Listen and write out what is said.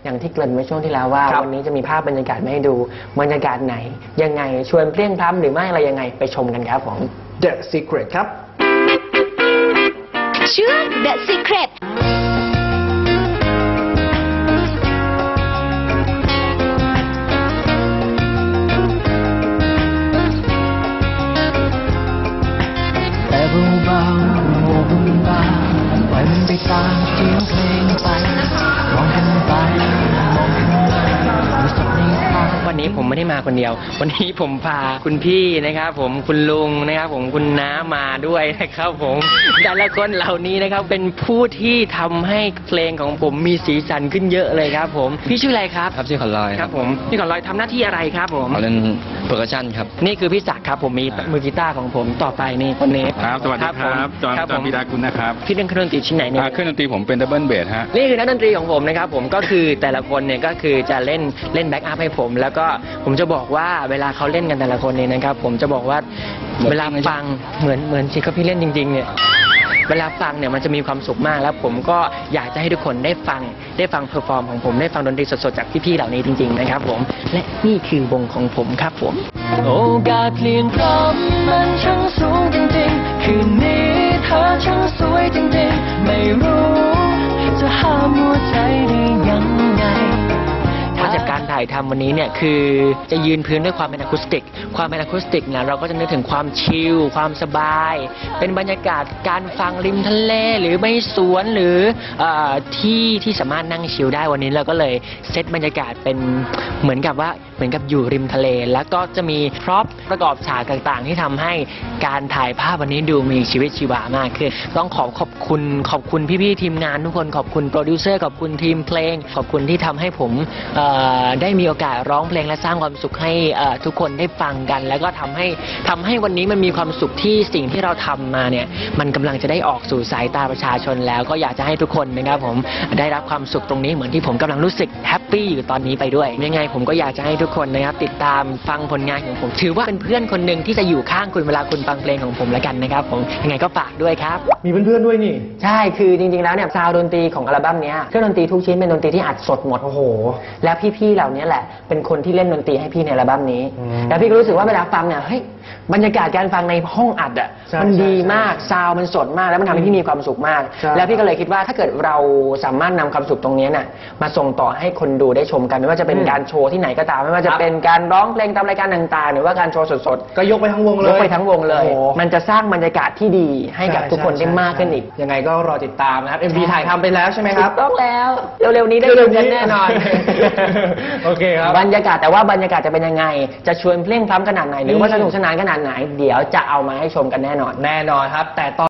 อย่างที่เกริ่นไว้ช่วงที่แล้วว่าวันนี้จะมีภาพบรรยากาศมาให้ดูบรรยากาศไหนยังไงชวนเพลียงพล้ำหรือไม่อะไรยังไงไปชมกันครับผม The Secret ครับชื่อ The Secret เบาๆโมบุญบาปล่อยมันไปตามเสียงเพลงไปมองกันไปมองกันมารู้สึกในตาวันนี้ผมไม่ได้มาคนเดียววันนี้ผมพาคุณพี่นะครับผมคุณลุงนะครับผมคุณน้ามาด้วยนะครับผมแต่ละคนเหล่านี้นะครับเป็นผู้ที่ทำให้เพลงของผมมีสีสันขึ้นเยอะเลยครับผมพี่ชื่ออะไรครับครับชื่อขอนลอยครับผมพี่ขอนลอยทำหน้าที่อะไรครับผมเล่นเพอร์คัชชั่นครับนี่คือพี่ศักดิ์ครับผมมีมือกีตาร์ของผมต่อไปนี่คนนี้ครับสวัสดีครับจอห์นพิดากุลนะครับพี่เล่นเครื่องดนตรีชิ้นไหนเนี่ยเครื่องดนตรีผมเป็นดับเบิลเบสฮะนี่คือนักดนตรีของผมนะครับผมก็คือแต่ละคนเนี่ยก็คือจะเล่นแบ็กอัพให้ผมแล้วก็ผมจะบอกว่าเวลาเขาเล่นกันแต่ละคนเนี่ยนะครับผมจะบอกว่าเวลาฟังเหมือนที่เขาพี่เล่นจริงๆเนี่ยเวลาฟังเนี่ยมันจะมีความสุขมากแล้วผมก็อยากจะให้ทุกคนได้ฟังเพอร์ฟอร์มของผมได้ฟังดนตรีสดๆจากพี่ๆเหล่านี้จริงๆนะครับผมและนี่คือวงของผมครับผมโอกาสเปลี่ยนพร้อมมันช่างสูงจริงๆคืนนี้เธอช่างสวยจริงๆไม่รู้จะห้ามหัวใจได้ยังไงจากการถ่ายทำวันนี้เนี่ยคือจะยืนพื้นด้วยความเป็นอะคูสติกเนี่ยเราก็จะนึกถึงความชิลความสบายเป็นบรรยากาศการฟังริมทะเลหรือไม่สวนหรือที่สามารถนั่งชิลได้วันนี้เราก็เลยเซตบรรยากาศเป็นเหมือนกับอยู่ริมทะเลแล้วก็จะมีพร็อพประกอบฉากต่างๆที่ทำให้การถ่ายภาพวันนี้ดูมีชีวิตชีวามากขึ้นต้องขอบคุณพี่ๆทีมงานทุกคนขอบคุณโปรดิวเซอร์ขอบคุณทีมเพลงขอบคุณที่ทำให้ผมได้มีโอกาสร้องเพลงและสร้างความสุขให้ทุกคนได้ฟังกันแล้วก็ทำให้วันนี้มันมีความสุขที่สิ่งที่เราทำมาเนี่ยมันกำลังจะได้ออกสู่สายตาประชาชนแล้วก็อยากจะให้ทุกคนนะครับผมได้รับความสุขตรงนี้เหมือนที่ผมกำลังรู้สึกแฮปปี้อยู่ตอนนี้ไปด้วยยังไงผมก็อยากจะให้ทุกคนนะครับติดตามฟังผลงานของผมถือว่าเป็นเพื่อนคนหนึ่งที่จะอยู่ข้างคุณเวลาคุณฟังเพลงของผมแล้วกันนะครับผมยังไงก็ฝากด้วยครับมีเพื่อนๆด้วยนี่ใช่คือจริงๆแล้วเนี่ยซาวด์ดนตรีของอัลบั้มนี้เครื่องดนตรีทุกชิ้นเป็นดนตรีที่อัดสดหมดโอ้โหแล้วพี่ๆเหล่านี้แหละเป็นคนที่เล่นดนตรีให้พี่ในอัลบั้มนี้แล้วพี่ก็รู้สึกว่าเวลาฟังเนี่ยเฮ้ยบรรยากาศการฟังในห้องอัดอ่ะมันดีมากซาวมันสดมากแล้วมันทำให้พี่มีความสุขมากแล้วพี่ก็เลยคิดว่าถ้าเกิดเราสามารถนำความสุขตรงนี้น่ะมาส่งต่อให้คนดูได้ชมกันไม่ว่าจะเป็นการโชว์ที่ไหนก็ตามไม่ว่าจะเป็นการร้องเพลงตามรายการต่างๆหรือว่าการโชว์สดๆก็ยกไปทั้งวงเลยมันจะสร้างบรรยากาศที่ดีให้กับทุกคนได้มากขึ้นอีกยังไงก็รอติดตามนะครับ MV ถ่ายทำไปแล้วใช่ไหมครับต้องแล้วเร็วๆนี้ได้ดูกันแน่นอนโอเคครับบรรยากาศแต่ว่าบรรยากาศจะเป็นยังไงจะชวนเพลงพล้ำขนาดไหนหรือว่าสนุกสนานขนาดไหนเดี๋ยวจะเอามาให้ชมกันแน่นอนครับแต่ตอน